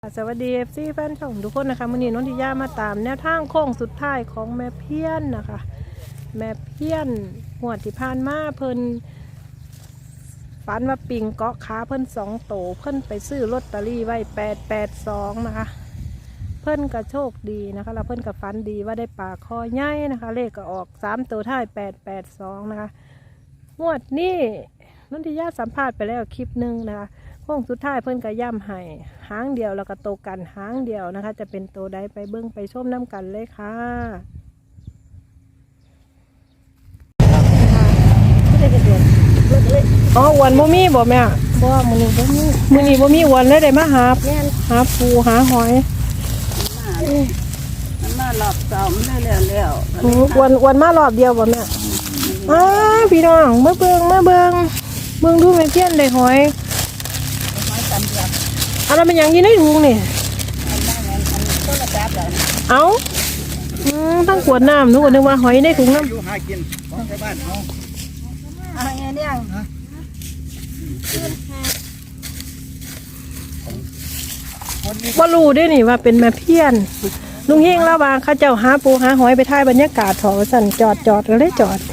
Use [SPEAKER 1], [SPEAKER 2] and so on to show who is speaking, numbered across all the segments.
[SPEAKER 1] สวัสดีFCแฟนช่องทุกคนนะคะมื้อนี้นนทิยามาตามแนวทางโค้งสุดท้ายของแม่เพี้ยนนะคะแม่เพี้ยนงวดที่ผ่านมาเพิ่นฝันว่าปิงเกาะขาเพิ่น2 โตเพิ่นไปซื้อลอตเตอรี่ไว้882นะคะเพิ่นก็โชคดีนะคะแล้วเพิ่นก็ฝันดีว่าได้ปลาคอใหญ่นะคะเลขก็ออก3 ตัวท้าย882นะคะงวดนี้นนทิยาสัมภาษณ์ไปแล้วคลิปนึงนะคะโค้งสุดท้ายเพิ่นก็ย่ำให้หางเดียวแล้วก็โตกันหางเดียวนะคะจะเป็นโตใดไปเบิ้งไปชมน้ำกันเลยค่ะอ๋อวันบ่มีบ่แม่บ่มื้อนี้บ่มีวันเลยได้มาหาปูหาหอย
[SPEAKER 2] มันมารอบสองได้แล้ว
[SPEAKER 1] วันมารอบเดียวบ่แม่พี่น้องมาเบิ่งดูแม่เพี้ยนได้หอยอะไรมันยังยินได้ถุงนี่เอาตั้งขวดน้ำนึกว่าหอยได้ถุงน้ำ
[SPEAKER 2] หากินของชาวบ้านเขาอะไรเนี่ย
[SPEAKER 1] ว่ารู้ได้นี่ว่าเป็นแม่เพี้ยนลุงเฮงระวางข้าเจ้าหาปูหาหอยไปถ่ายบรรยากาศถอสั่นจอดแล้วได้จอด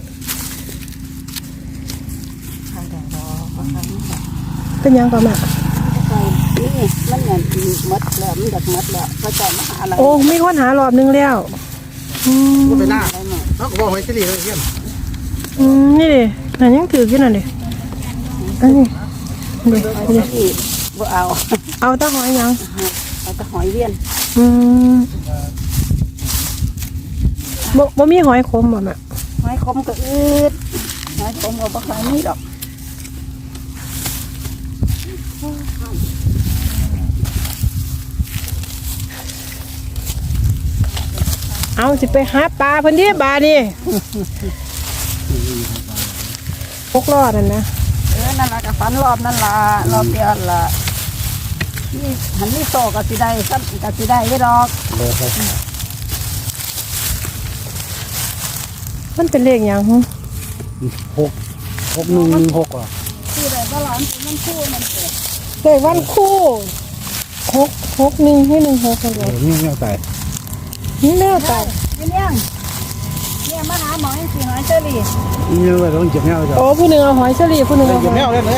[SPEAKER 1] เป็นยังก่อนแม่
[SPEAKER 2] นี่มันเหมือนมัดแล้วมันดักมัดแล้วเขาจะมาหาอะไร
[SPEAKER 1] โอ้มีคนหารอบนึงแล้ว
[SPEAKER 2] ก็ไปหน้าเขาบอกหอยเฉลี่ยเลยเยี่ยม
[SPEAKER 1] นี่ดินั่นยังถือกี่นั่นดิอันนี้
[SPEAKER 2] บ่เอา
[SPEAKER 1] ตาหอยยัง
[SPEAKER 2] เอาตาหอยเวียน
[SPEAKER 1] บ่มีหอยคมบ่แม่
[SPEAKER 2] หอยคมก็อืดหอยคมก็บ่ค่อยมีดอก
[SPEAKER 1] เอาสิไปหาปลาเพิ่นที่บานี่พกรอดนั่นนะ
[SPEAKER 2] นั่นละกับฟันรอบนั่นละรอบเดียวละนี่หันนี่โตกับสีได้ซ้ำกับสีได้ไม่ดอก
[SPEAKER 1] มันเป็นเลขอย่างห
[SPEAKER 2] 6 อ่ะคืออะไรบ้าหลานมันคู่มันเกิด
[SPEAKER 1] เลขวันคู่6 1ให้16กันเลย
[SPEAKER 2] นี่แนวตาย
[SPEAKER 1] นี่แนวตาย
[SPEAKER 2] เนี่ยมาหาหมอให้สีหอยเชอรี่นี่ว่าต้องเจ็บแนวจ้ะ
[SPEAKER 1] โอ้ผู้หนึ่งเอาหอยเชอรี่ผู้หนึ่งเอา
[SPEAKER 2] เจ็บแนวเลย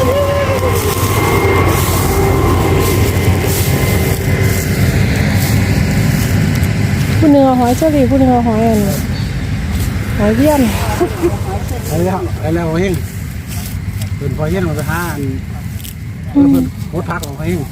[SPEAKER 1] ผู้หนึ่งเอาหอยเชอรี่ผู้หนึ่งเอาหอยอันหอยเบี้ยน
[SPEAKER 2] แล้วเฮงเป็นพอเย็นมาไปหาเป็นโคตรพักของเฮง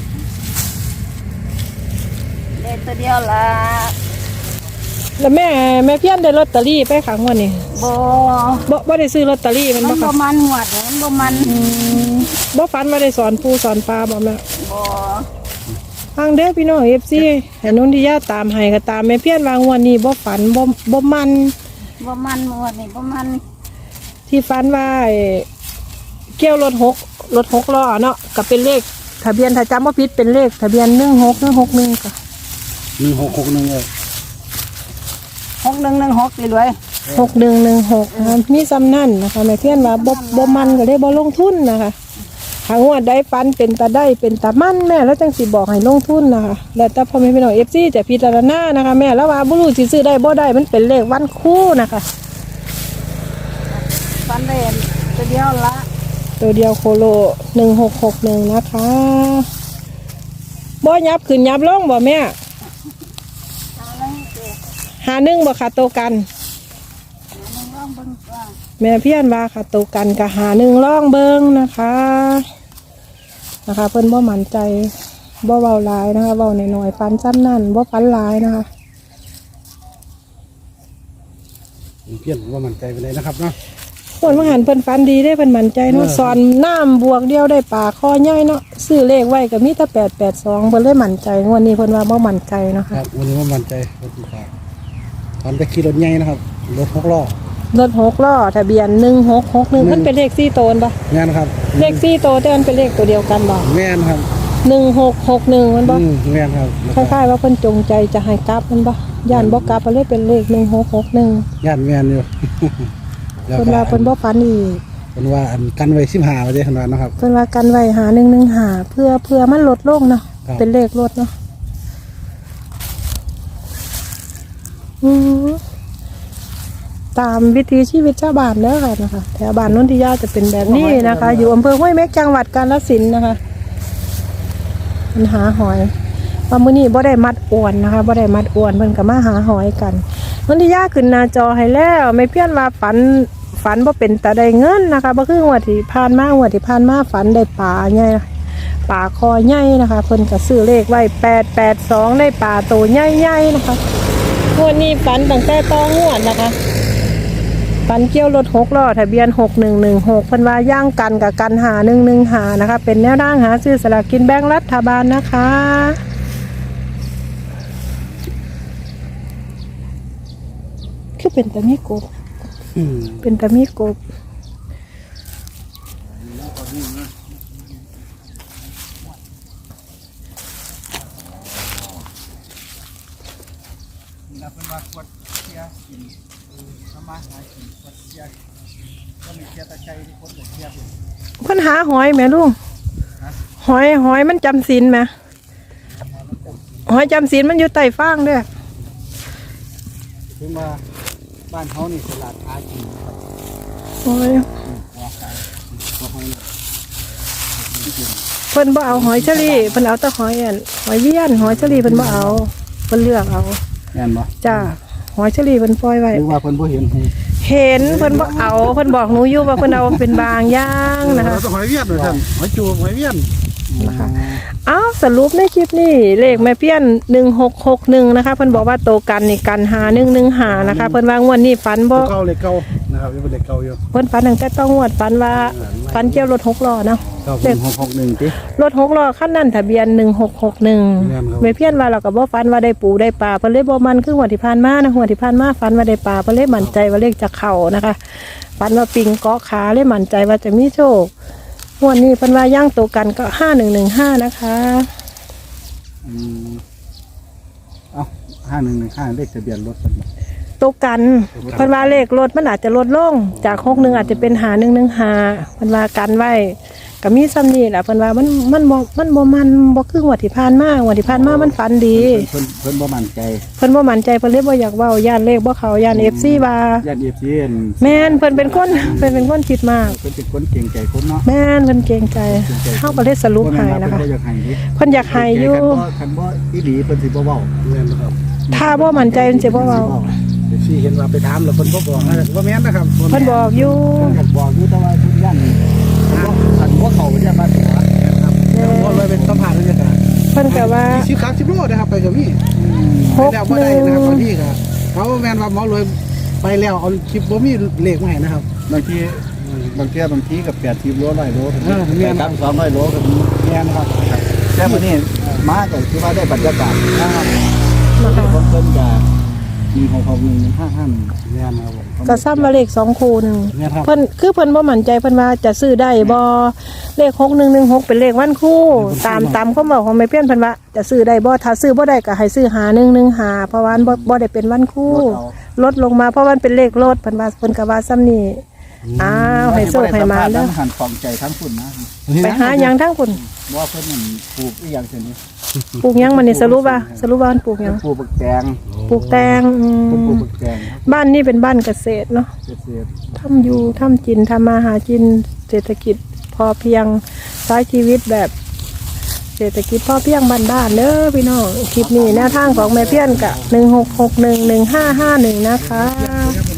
[SPEAKER 2] เด็กตัวเดียวละ
[SPEAKER 1] แล้วแม่เพี้ยนได้ลอตเตอรี่ไปขังวันนี้บ่ได้ซื้อลอตเตอรี่มัน
[SPEAKER 2] บ่มันหวดมันบ่มัน
[SPEAKER 1] บ่ฝันว่าได้สอนปูสอนปลาบ่แม่
[SPEAKER 2] บ่
[SPEAKER 1] ทางเด้อพี่น้องFCให้นนทิยาตามให้ก็ตามแม่เพี้ยนวางวันนี้บ่ฝันบ่มัน
[SPEAKER 2] หวดนี่บ่มัน
[SPEAKER 1] ที่ฝันว่าเกี่ยวรถ6ล้อเนาะก็เป็นเลขทะเบียนถ้าจำบ่ผิดเป็นเลขทะเบียน161ก็
[SPEAKER 2] 1661เลย6116สิรวย
[SPEAKER 1] 6116มีซ้ำนั่นนะคะแม่เพี้ยนว่าบ่มันก็เลยบ่ลงทุนนะคะหางวดได้ฟันเป็นตาได้เป็นตามั่นแม่แล้วจังสิบอกให้ลงทุนนะคะแล้วแต่พ่อแม่พี่น้อง FC จะพิจารณานะคะแม่แล้วว่าบ่รู้สิซื้อได้บ่ได้มันเป็นเลขวันคู่นะคะ
[SPEAKER 2] ฟันได้ตัวเดียวละ
[SPEAKER 1] ตัวเดียวโคโล1661นะคะบ่ยับขึ้นยับลงบ่แม่51บ่ค่ะโตกันแม่เพี้ยนว่าค่ะโตกันกับ51ล่องเบิ่งนะคะเพิ่นบ่มั่นใจบ่เว้าหลายนะคะเว้าน้อยๆฟันซ้ำนั่นบ่ฟันหลายนะคะ
[SPEAKER 2] เพี้ยนว่ามั่นใจไปเลยนะครับเนาะ
[SPEAKER 1] คนมาหันเพิ่นฟันดีได้เพิ่นมั่นใจเนาะสอนน้ำบวกเดียวได้ปลาคอใหญ่เนาะซื้อเลขไว้ก็มีแต่882เพิ่นเลยมั่นใจงวดนี้เพิ่นว่าบ่มั่นใจเนาะค่ะ
[SPEAKER 2] วันนี้ว่ามั่นใจรถดีกว่าตอนไปขี่รถใหญ่นะครับรถ6 ล้อ
[SPEAKER 1] ทะเบียน1661มันเป็นเลข4 โตนป่ะ
[SPEAKER 2] แม่นครับ
[SPEAKER 1] เลข4 โตแต่มันเป็นเลขตัวเดียวกันบ่
[SPEAKER 2] แม่นครับ
[SPEAKER 1] 1661มันบ่
[SPEAKER 2] แม่นครับ
[SPEAKER 1] คล้ายๆว่าเพิ่นจงใจจะให้กลับมันบ่ย่านบ่กลับก็เลยเป็นเลข1661
[SPEAKER 2] ย่านแม่นอยู่
[SPEAKER 1] เพิ่นว่าเพิ่นบ่ฝันอีก
[SPEAKER 2] เพิ่นว่าอันกันไว้15ว่าจังซั่นนะครับ
[SPEAKER 1] เพิ่นว่ากันไว้หา115เพื่อมันลดลงเนาะ
[SPEAKER 3] ครับ
[SPEAKER 1] เป็นเลขรถเนาะอืมตามวิถีชีวิตชาวบ้านเด้อค่ะนะคะแถวบ้านนนทิยาจะเป็นแบบนี้นะคะ อยู่อำเภอห้วยเม็กจังหวัดกาฬสินธุ์นะคะมันหาหอยว่ามื้อนี้บ่ได้มัดอวนนะคะบ่ได้มัดอวนเพิ่นก็มาหาหอยกันนนทิยาขึ้นหน้าจอให้แล้วไม่เพี้ยนว่าฝันบ่เป็นตาได้เงินนะคะบ่คืองวดที่ผ่านมางวดที่ผ่านมาฝันได้ปลาใหญ่ปลาคอใหญ่นะคะเพิ่นก็ซื้อเลขไว้882ได้ปลาโตใหญ่ๆนะคะงวดนี้ฝันตั้งแต่ตองวดนะคะฝันเกี่ยวรถ6ล้อทะเบียน6116เพิ่นว่าย่างกันกับกันหา115นะคะเป็นแนวทางหาซื้อสลากกินแบ่งรัฐบาลนะคะคือเป็นตะมีกบเป็นตะมีกบเพิ่นหาหอยแม่ลุงหอยมันจำศีลไหมหอยจำศีลมันอยู่ใต้ฟางเด้อ
[SPEAKER 3] ถึงว่าบ้านเขานี่ตลาดหากิน
[SPEAKER 1] หอย
[SPEAKER 3] ว่าขายบ่ให้
[SPEAKER 1] เพิ่นบ่เอาหอยเชอรี่เพิ่นเอาแต่หอยอันหอยเวียนหอยเชอรี่เพิ่นบ่เอาเพิ่นเลือกเอา
[SPEAKER 3] แม่นบ่
[SPEAKER 1] จ้าหอยเชอรี่เพิ่นปล่อยไว้
[SPEAKER 3] หรือว่าเพิ่นบ่เห็นให้
[SPEAKER 1] เห็นเพิ่นบ่เอาเพิ่นบอกหนูอยู่ว่าเพิ่นเอาเป็นบางอย่างนะคะ
[SPEAKER 3] เราต้องหอยเวียนด้วยท่านหอยจูบหอยเวียน
[SPEAKER 1] นะคะอ้าวสรุปในคลิปนี้เลขแม่เพี้ยน1661นะคะเพิ่นบอกว่าโตกันนี่กันหา115นะคะเพิ่นว่างวดนี้ฝันบ่
[SPEAKER 3] เก่าเลยเก่านะครับยังเป็นเด็กเก่าอยู่
[SPEAKER 1] เพิ่นฝันตั้งแต่ต้องงวดฝันว่าฝันเกี่ยวรถ6ล้อเนาะ
[SPEAKER 3] เก่าเป็น661ติ
[SPEAKER 1] รถ6ล้อคันนั้นทะเบียน1661
[SPEAKER 3] ครับ
[SPEAKER 1] แม่เพี้ยนว่าเราก็บ่ฝันว่าได้ปูได้ปลาเพิ่นเลยบ่มันคือหัวดที่ผ่านมานะหัวดที่ผ่านมาฝันว่าได้ปลาเพิ่นเลยมั่นใจว่าเลขจะเข้านะคะฝันว่าปิงเกาะขาเลยมั่นใจว่าจะมีโชคงวดนี้เพิ่นว่าย่างโตกันก็5115นะคะ
[SPEAKER 3] เอ้า5115เลขทะเบียนรถเพิ่นบ่
[SPEAKER 1] โตกันเพิ่นว่าเลขรถมันอาจจะลดลงจาก61อาจจะเป็น5115เพิ่นว่ากันไว้ก็มีซ้ำนี่แหละเพิ่นว่ามันบ่คือหัวดที่ผ่านมาหัวดที่ผ่านมามันฝันดี
[SPEAKER 3] เพิ่นบ่มั่นใจ
[SPEAKER 1] เพิ่นบ่มั่นใจเพิ่นเลยบ่อยากเว้าย่านเลขบ่เข้าย่าน FC ว่า
[SPEAKER 3] ญาติ FC
[SPEAKER 1] แม่นเพิ่นเป็นคนคิดมาก
[SPEAKER 3] เพิ่นเป็นคนเก่งใจคนเนาะ
[SPEAKER 1] แม่นเพิ่นเกรงใจเฮาก็เลยสรุปให้นะคะ
[SPEAKER 3] เพิ่นบ่อยากให้ดิ
[SPEAKER 1] เพิ่นอยากให้อยู่
[SPEAKER 3] คันบ่อีหลีเพิ่นสิบ่เว้าแม่นบ่ครับ
[SPEAKER 1] ถ้าบ่มั่นใจเพิ่นสิบ่เว้า
[SPEAKER 3] เดี๋ยวสิเห็นว่าไปถามแล้วเพิ่นบ่บอกนะบ่แม่นนะครับ
[SPEAKER 1] เพิ่นบอกอยู่
[SPEAKER 3] เพิ่นก็บอกอยู่แต่ว่าเพิ่นยันคันบ่เข้าไปเนี่ยบ้านหัวนะครับบ่เลยเป็นสัมภาษณ์บรรยากาศ
[SPEAKER 1] เพิ่นก็ว่า
[SPEAKER 3] 20-30โลนะครับไปกับพี่ไปแล้วบ่ได้นะครับบางทีก็เขาแม่นว่าหมอเลยไปแล้วเอาคลิปบ่มีเลขมาให้นะครับบางทีกับ80โล100โลแม่นครับ200โลก็มีแม่นครับแต่มื้อนี้มาก็คือว่าได้บรรยากาศนะครับ
[SPEAKER 1] นะคะ
[SPEAKER 3] เพิ่นจะมีของเขา11551แม่นครับผม
[SPEAKER 1] ก็ซ้ำว่าเลข2คู่หนึง
[SPEAKER 3] แม่นครับ
[SPEAKER 1] เพิ่นบ่มั่นใจเพิ่นว่าจะซื้อได้บ่เลข6116เป็นเลขวันคู่ตามคำบอกของแม่เพี้ยนเพิ่นว่าจะซื้อได้บ่ถ้าซื้อบ่ได้ก็ให้ซื้อ5115เพราะว่าบ่ได้เป็นวันคู่ลดลงมาเพราะมันเป็นเลขรถเพิ่นว่าเพิ่นก็ว่าซ้ำนี่อ้าวให้โชคให้มาเด้อ
[SPEAKER 3] หันฟองใจทั้งคุณนะ
[SPEAKER 1] ไปหาหยังทั้งคุณ
[SPEAKER 3] ว่าเพิ่นนั่นปลูกอีหยังเช่นนี้
[SPEAKER 1] ปลูกหยังมันนี่สรุปว่ามันปลูกหยัง
[SPEAKER 3] ปลูกบักแตง
[SPEAKER 1] ปลูกแตง
[SPEAKER 3] เพิ่นปลูกบักแตงครับ
[SPEAKER 1] บ้านนี่เป็นบ้านเกษตรเนาะ
[SPEAKER 3] เกษตร
[SPEAKER 1] ทำอยู่ทำกินทำมาหากินเศรษฐกิจพอเพียงใช้ชีวิตแบบเศรษฐกิจพอเพียงบ้านๆเด้อพี่น้องคลิปนี้แนวทางของแม่เพี้ยนกะ16611551นะคะ